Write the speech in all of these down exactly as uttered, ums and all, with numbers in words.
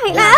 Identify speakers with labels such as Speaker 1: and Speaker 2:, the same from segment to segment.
Speaker 1: แล้ว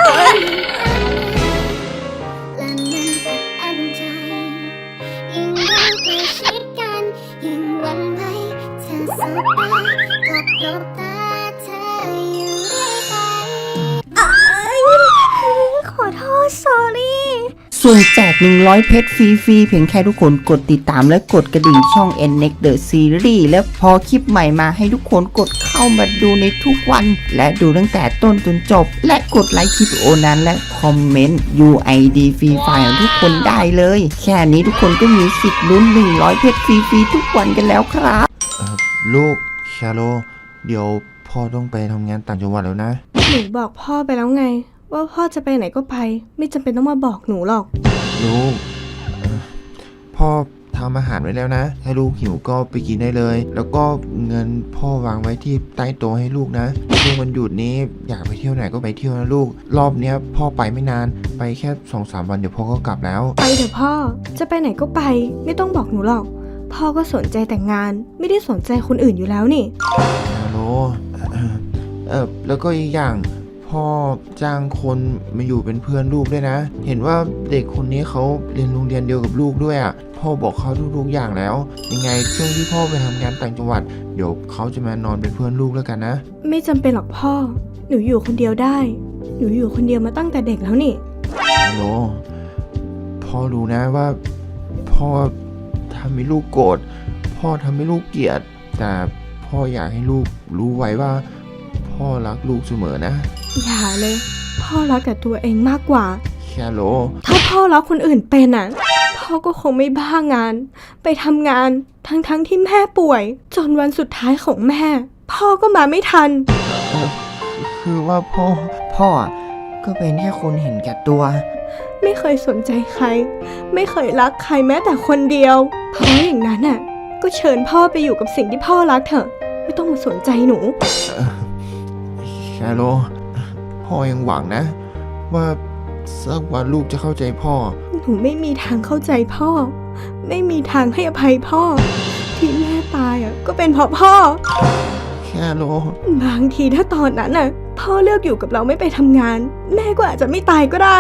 Speaker 1: ขอโทษ sorry
Speaker 2: ส่วนแจกหนึ่งร้อยเพชรฟรีๆเพียงแค่ทุกคนกดติดตามและกดกระดิ่งช่อง เอ็น เน็กซ์ The Series และพอคลิปใหม่มาให้ทุกคนกดเข้ามาดูในทุกวันและดูตั้งแต่ต้นจนจบและกดไลค์คลิปวิดีโอนั้นและคอมเมนต์ ยู ไอ ดี ฟรีไฟล์ของทุกคนได้เลยแค่นี้ทุกคนก็มีสิทธิ์ลุ้นหนึ่งร้อยเพชรฟรีๆทุกวันกันแล้วครับ
Speaker 3: ลูกชาโลเดี๋ยวพ่อต้องไปทำงานต่างจังหวัดแล้วนะ
Speaker 1: หนูบอกพ่อไปแล้วไงว่าพ่อจะไปไหนก็ไปไม่จำเป็นต้องมาบอกหนูหรอก
Speaker 3: ลูกพ่อทำอาหารไว้แล้วนะให้ลูกหิวก็ไปกินได้เลยแล้วก็เงินพ่อวางไว้ที่ใต้โต๊ะให้ลูกนะช่วงวันหยุดนี้อยากไปเที่ยวไหนก็ไปเที่ยวนะลูกรอบเนี้ยพ่อไปไม่นานไปแค่สองสามวันเดี๋ยวพ่อก็กลับแล้ว
Speaker 1: ไปเถอะพ่อจะไปไหนก็ไปไม่ต้องบอกหนูหรอกพ่อก็สนใจแต่งงานไม่ได้สนใจคนอื่นอยู่แล้วนี่
Speaker 3: ฮัลโหลเออแล้วก็อีกอย่างพ่อจ้างคนมาอยู่เป็นเพื่อนลูกด้วยนะเห็นว่าเด็กคนนี้เขาเรียนโรงเรียนเดียวกับลูกด้วยอ่ะพ่อบอกเขาทุกๆอย่างแล้วยังไงช่วงที่พ่อไปทำงานต่างจังหวัดเดี๋ยวเขาจะมานอนเป็นเพื่อนลูกแล้วกันนะ
Speaker 1: ไม่จำเป็นหรอกพ่อหนูอยู่คนเดียวได้หนูอยู่คนเดียวมาตั้งแต่เด็กแล้วนี่
Speaker 3: ฮัลโหลพ่อรู้นะว่าพ่อทำให้ลูกโกรธพ่อทำให้ลูกเกลียดแต่พ่ออยากให้ลูกรู้ไว้ว่าพ่อรักลูกเสมอนะ
Speaker 1: อย่าเลยพ่อรักแต่ตัวเองมากกว่า
Speaker 3: แค่โล
Speaker 1: ถ้าพ่อรักคนอื่นเป็นอ่ะพ่อก็คงไม่บ้างานไปทำงานทั้งๆ ท, ที่แม่ป่วยจนวันสุดท้ายของแม่พ่อก็มาไม่ทัน
Speaker 3: คือว่าพ่อ
Speaker 2: พ่อก็เป็นแค่คนเห็นแก่ตัว
Speaker 1: ไม่เคยสนใจใครไม่เคยรักใครแม้แต่คนเดียวเพราะอย่างนั้นอ่ะก็เชิญพ่อไปอยู่กับสิ่งที่พ่อรักเถอะไม่ต้องมาสนใจหนู
Speaker 3: ชาโลพ่อยังหวังนะว่าสักวันลูกจะเข้าใจพ่อ
Speaker 1: หนูไม่มีทางเข้าใจพ่อไม่มีทางให้อภัยพ่อที่แม่ตายอ่ะก็เป็นเพราะพ่อ
Speaker 3: ชาโล
Speaker 1: บางทีถ้าตอนนั้นน่ะพ่อเลือกอยู่กับเราไม่ไปทำงานแม่ก็อาจจะไม่ตายก็ได้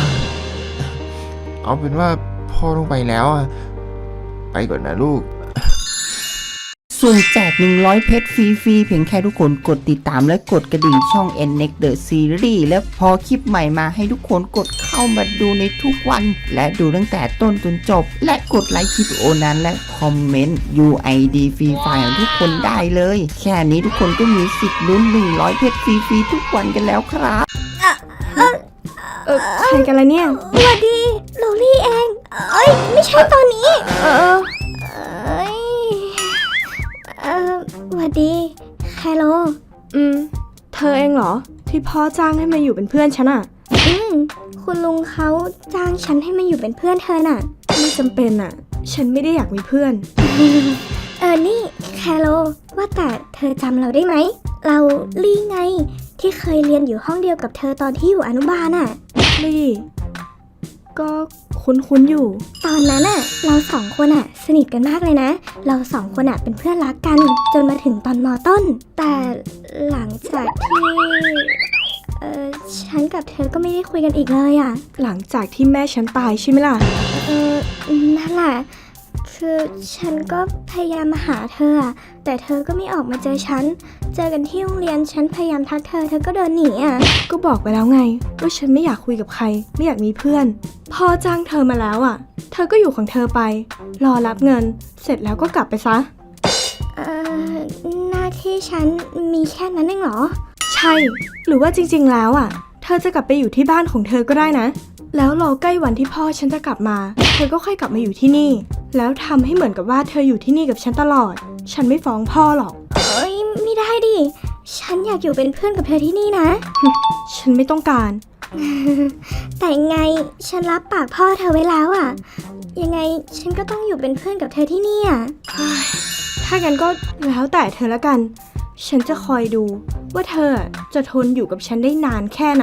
Speaker 3: เอาเป็นว่าพ่อต้องไปแล้วอ่ะไปก่อนนะลูก
Speaker 2: ส่วนแจกหนึ่งร้อยเพชรฟรีๆเพียงแค่ทุกคนกดติดตามและกดกระดิ่งช่อง เอ็น เน็กซ์ The Series และพอคลิปใหม่มาให้ทุกคนกดเข้ามาดูในทุกวันและดูตั้งแต่ต้นจนจบและกดไลค์คลิปวิดีโอนั้นและคอมเมนต์ ยู ไอ ดี ฟรีไฟล์ของทุกคนได้เลยแค่นี้ทุกคนก็มีสิทธิ์ลุ้นหนึ่งร้อยเพชรฟรีๆทุกวันกันแล้วครับ
Speaker 1: เออเออใครกันล่ะเนี่ย
Speaker 4: สวัสดีโลลี่เองเอ้ยไม่ใช่ตอนนี้
Speaker 1: เออ
Speaker 4: เอ้ยเออสวัสดีแคโร
Speaker 1: อืมเธอเองเหรอที่พ่อจ้างให้มาอยู่เป็นเพื่อนฉันอ่ะ
Speaker 4: อืมคุณลุงเขาจ้างฉันให้มาอยู่เป็นเพื่อนเธอน่ะ
Speaker 1: ไม่จำเป็นอ่ะฉันไม่ได้อยากมีเพื่อน
Speaker 4: เออนี่แคโรว่าแต่เธอจำเราได้ไหมเราลี่ไงที่เคยเรียนอยู่ห้องเดียวกับเธอตอนที่อยู่อนุบาลน่ะ
Speaker 1: ลี่ก็คุ้นๆอยู่
Speaker 4: ตอนนั้นน่ะเราสองคนอ่ะสนิทกันมากเลยนะเราสองคนอ่ะเป็นเพื่อนรักกันจนมาถึงตอนม.ต้นแต่หลังจากที่เออฉันกับเธอก็ไม่ได้คุยกันอีกเลยอ่ะ
Speaker 1: หลังจากที่แม่ฉันตายใช่ไหมล่ะ
Speaker 4: เออนั่นแหละคือฉันก็พยายามมาหาเธออ่ะแต่เธอก็ไม่ออกมาเจอฉันเจอกันที่โรงเรียนฉันพยายามทักเธอเธอก็เดินหนีอ่ะ
Speaker 1: ก็บอกไปแล้วไงว่าฉันไม่อยากคุยกับใครไม่อยากมีเพื่อนพ่อจ้างเธอมาแล้วอ่ะเธอก็อยู่ของเธอไปรอรับเงินเสร็จแล้วก็กลับไปซะ
Speaker 4: เอ่อหน้าที่ฉันมีแค่นั้นเองเหรอ
Speaker 1: ใช่หรือว่าจริงๆแล้วอ่ะเธอจะกลับไปอยู่ที่บ้านของเธอก็ได้นะแล้วรอใกล้วันที่พ่อฉันจะกลับมาเธอก็ค่อยกลับมาอยู่ที่นี่แล้วทำให้เหมือนกับว่าเธออยู่ที่นี่กับฉันตลอดฉันไม่ฟ้องพ่อหรอก
Speaker 4: เอ้ยไม่ได้ดิฉันอยากอยู่เป็นเพื่อนกับเธอที่นี่นะ
Speaker 1: ฉันไม่ต้องการ
Speaker 4: แต่ไงฉันรับปากพ่อเธอไว้แล้วอ่ะยังไงฉันก็ต้องอยู่เป็นเพื่อนกับเธอที่นี่อ่ะ
Speaker 1: ถ้างั้นก็แล้วแต่เธอละกันฉันจะคอยดูว่าเธอจะทนอยู่กับฉันได้นานแค่ไหน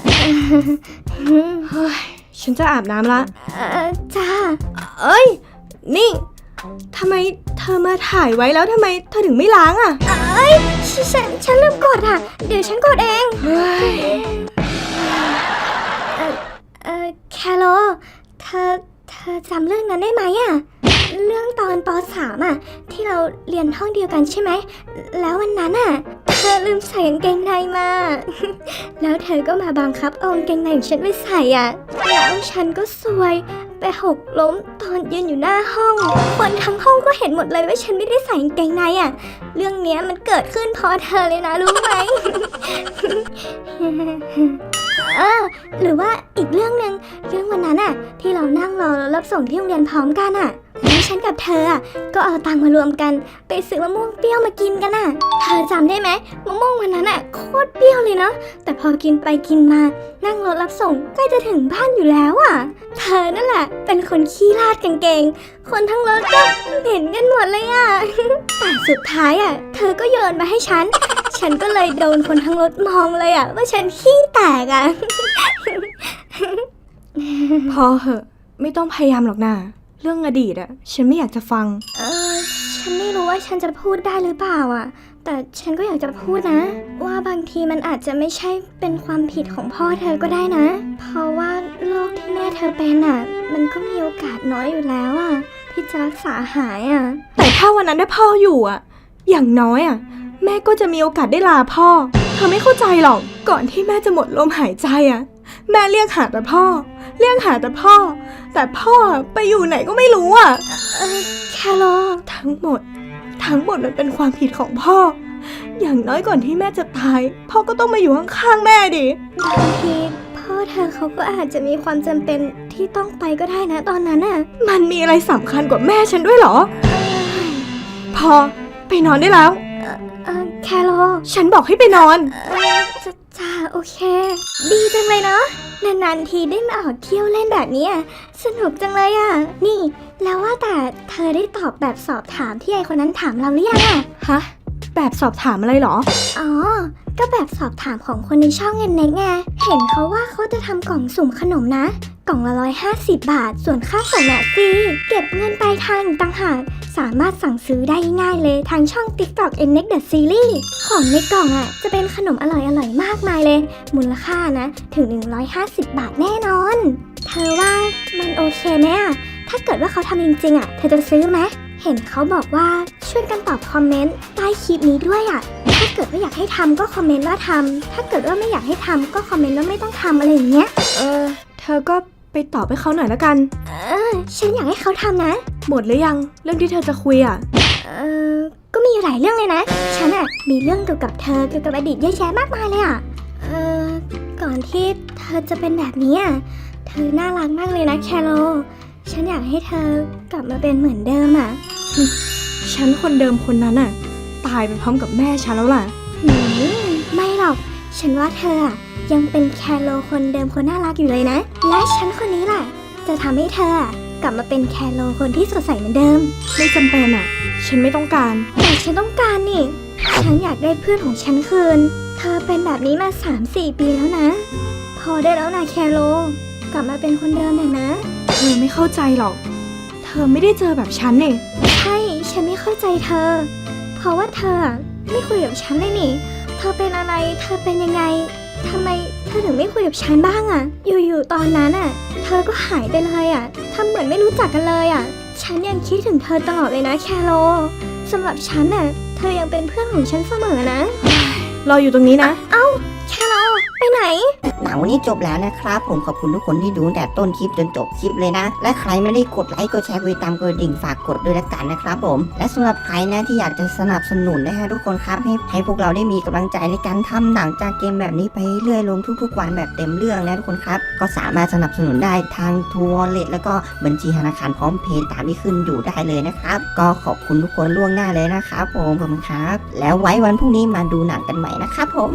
Speaker 1: เฮ้ยฉันจะอาบน้ำละ
Speaker 4: เออจ้า
Speaker 1: เอ้ยนี่ทำไมเธอมาถ่ายไว้แล้วทำไมเธอถึงไม่ล้างอ่ะ
Speaker 4: เอ้ยฉันฉันลืมกดอ่ะเดี๋ยวฉันกดเอง
Speaker 1: เฮ้ย
Speaker 4: จำเรื่องนั้นได้ไหมอะเรื่องตอนป สาม อะที่เราเรียนห้องเดียวกันใช่ไหมแล้ววันนั้นอะเธอลืมใส่กางเกงในมา แล้วเธอก็มาบังคับเอากางเกงในของฉันไปใส่อะแล้วฉันก็ซวยไปหกล้มตอนยืนอยู่หน้าห้องคนทั้งห้องก็เห็นหมดเลยว่าฉันไม่ได้ใส่กางเกงในอะเรื่องเนี้ยมันเกิดขึ้นเพราะเธอเลยนะรู้ไหม เออหรือว่าอีกเรื่องหนึ่งเรื่องวันนั้นอะที่เรานั่งรอรับส่งที่โรงเรียนพร้อมกันอะแล้วฉันกับเธออะก็เอาตังค์มารวมกันไปซื้อมะม่วงเปรี้ยวมากินกันอะเธอจำได้ไหมมะม่วงวันนั้นอะโคตรเปรี้ยวเลยเนาะแต่พอกินไปกินมานั่งรถรับส่งใกล้จะถึงบ้านอยู่แล้วอะเธอนั่นแหละเป็นคนขี้ลาดกางเกงคนทั้งรถก็เห็นกันหมดเลยอะ แต่สุดท้ายอะเธอก็โยนมาให้ฉันฉันก็เลยโดนคนทั้งรถมองเลยอะว่าฉันขี้แตกอะ
Speaker 1: พอเหอะไม่ต้องพยายามหรอกนะเรื่องอดีตอะฉันไม่อยากจะฟัง
Speaker 4: เออฉันไม่รู้ว่าฉันจะพูดได้หรือเปล่าอ่ะแต่ฉันก็อยากจะพูดนะ ว่าบางทีมันอาจจะไม่ใช่เป็นความผิดของพ่อเธอก็ได้นะ เพราะว่าโรคที่แม่เธอเป็นอ่ะมันก็มีโอกาสน้อยอยู่แล้วอ่ะที่จะรักษาหายอ่ะ
Speaker 1: แต่ถ้าวันนั้นได้พ่ออยู่อะอย่างน้อยอะแม่ก็จะมีโอกาสได้ลาพ่อเธอไม่เข้าใจหรอกก่อนที่แม่จะหมดลมหายใจอะแม่เรียกหาแต่พ่อ เรียกหาแต่พ่อ แต่พ่อไปอยู่ไหนก็ไม่รู้อะ
Speaker 4: เออแคโร
Speaker 1: ทั้งหมด ทั้งหมดมันเป็นความผิดของพ่อ อย่างน้อยก่อนที่แม่จะตาย พ่อก็ต้องมาอยู่ข้างๆแม่ดิ
Speaker 4: บางทีพ่อเธอเขาก็อาจจะมีความจำเป็นที่ต้องไปก็ได้นะตอนนั้นอ่ะ
Speaker 1: มันมีอะไรสำคัญกว่าแม่ฉันด้วยเหรอ พอไปนอนได้แล้ว
Speaker 4: เออแคโร
Speaker 1: ฉันบอกให้ไปนอน
Speaker 4: เออจะจ้าโอเค ดีจังเลยเนาะนานๆทีได้มาออกเที่ยวเล่นแบบนี้อะสนุกจังเลยอ่ะนี่แล้วว่าแต่เธอได้ตอบแบบสอบถามที่ไอคนนั้นถามเราหรือยังอ่ะ
Speaker 1: ฮะ แบบสอบถามอะไรเหรอ
Speaker 4: อ๋อก็แบบสอบถามของคนในช่องเงินเน็กไงเห็นเขาว่าเขาจะทำกล่องสุ่มขนมนะกล่องละร้อยห้าสิบบาทส่วนค่าส่งเนี่ยฟรีเก็บเงินปลายทางอีกต่างหากสามารถสั่งซื้อได้ง่ายเลยทางช่อง TikTok เอ็น เน็ก The Series ของในกล่องอ่ะจะเป็นขนมอร่อยๆมากมายเลยมูลค่านะถึงหนึ่งร้อยห้าสิบบาทแน่นอนเธอว่ามันโอเคไหมอ่ะถ้าเกิดว่าเขาทำจริงๆอ่ะเธอจะซื้อไหมเห็นเขาบอกว่าช่วยกันตอบคอมเมนต์ใต้คลิปนี้ด้วยอ่ะถ้าเกิดว่าอยากให้ทำก็คอมเมนต์ว่าทำถ้าเกิดว่าไม่อยากให้ทำก็คอมเมนต์ว่าไม่ต้องทำอะไรอย่างเงี้ย
Speaker 1: เออ เธอก็ไปตอบให้เขาหน่อยละกัน
Speaker 4: เออฉันอยากให้เขาทำนะ
Speaker 1: หมดหรือยัง เรื่องที่เธอจะคุยอ่ะ
Speaker 4: เออก็มีอยู่หลายเรื่องเลยนะ ฉันอะมีเรื่องเกี่ยวกับเธอเกี่ยวกับอดีตเยอะแยะมากมายเลยอะเออก่อนที่เธอจะเป็นแบบนี้อะเธอน่ารักมากเลยนะแคโรฉันอยากให้เธอกลับมาเป็นเหมือนเดิมอะ
Speaker 1: ฉันคนเดิมคนนั้นอ่ะ ตายไปพร้อมกับแม่ฉันแล้วล่ะ
Speaker 4: หืมไม่หรอก ฉันว่าเธออะยังเป็นแคโรคนเดิมคนน่ารักอยู่เลยนะ และฉันคนนี้แหละจะทำให้เธออะกลับมาเป็นแคโรคนที่สดใสเหมือนเดิม
Speaker 1: ไม่จำเป็นอ่ะ ฉันไม่ต้องการ
Speaker 4: แต่ฉันต้องการนี่ ฉันอยากได้เพื่อนของฉันคืน เธอเป็นแบบนี้มา สามสี่ ปีแล้วนะ พอได้แล้วนะแคโรกลับมาเป็นคนเดิมหน่อยนะ
Speaker 1: เธอไม่เข้าใจหรอก เธอไม่ได้เจอแบบฉันนี่
Speaker 4: ใช่ ฉันไม่เข้าใจเธอ เพราะว่าเธออะไม่คุยกับฉันเลยนี่ เธอเป็นอะไร เธอเป็นยังไง ทำไมเธอถึงไม่คุยกับฉันบ้างอะอยู่ๆตอนนั้นอะเธอก็หายไปเลยอะทำเหมือนไม่รู้จักกันเลยอะฉันยังคิดถึงเธอตลอดเลยนะแคโรสำหรับฉันอะเธอยังเป็นเพื่อนของฉันเสมอนะ
Speaker 1: รออยู่ตรงนี้นะ
Speaker 4: แคโรไปไหน
Speaker 2: หนังวันนี้จบแล้วนะครับผมขอบคุณทุกคนที่ดูตั้งแต่ต้นคลิปจนจบคลิปเลยนะ และใครไม่ได้กดไลค์กดแชร์กดติดตามกดกระดิ่งฝากกดด้วยละกันนะครับผมและสำหรับใครนะที่อยากจะสนับสนุนนะฮะทุกคนครับให้ให้พวกเราได้มีกำลังใจในการทำหนังจากเกมแบบนี้ไปเรื่อยๆลงทุกๆวันแบบเต็มเรื่องนะทุกคนครับก็สามารถสนับสนุนได้ทางทัวร์เลทแล้วก็บัญชีธนาคารพร้อมเพย์ตามที่ขึ้นอยู่ได้เลยนะครับก็ขอบคุณทุกคนล่วงหน้าเลยนะครับผมขอบคุณครับแล้วไว้วันพรุ่งนี้มาดูหนังกันใหม่นะครับผม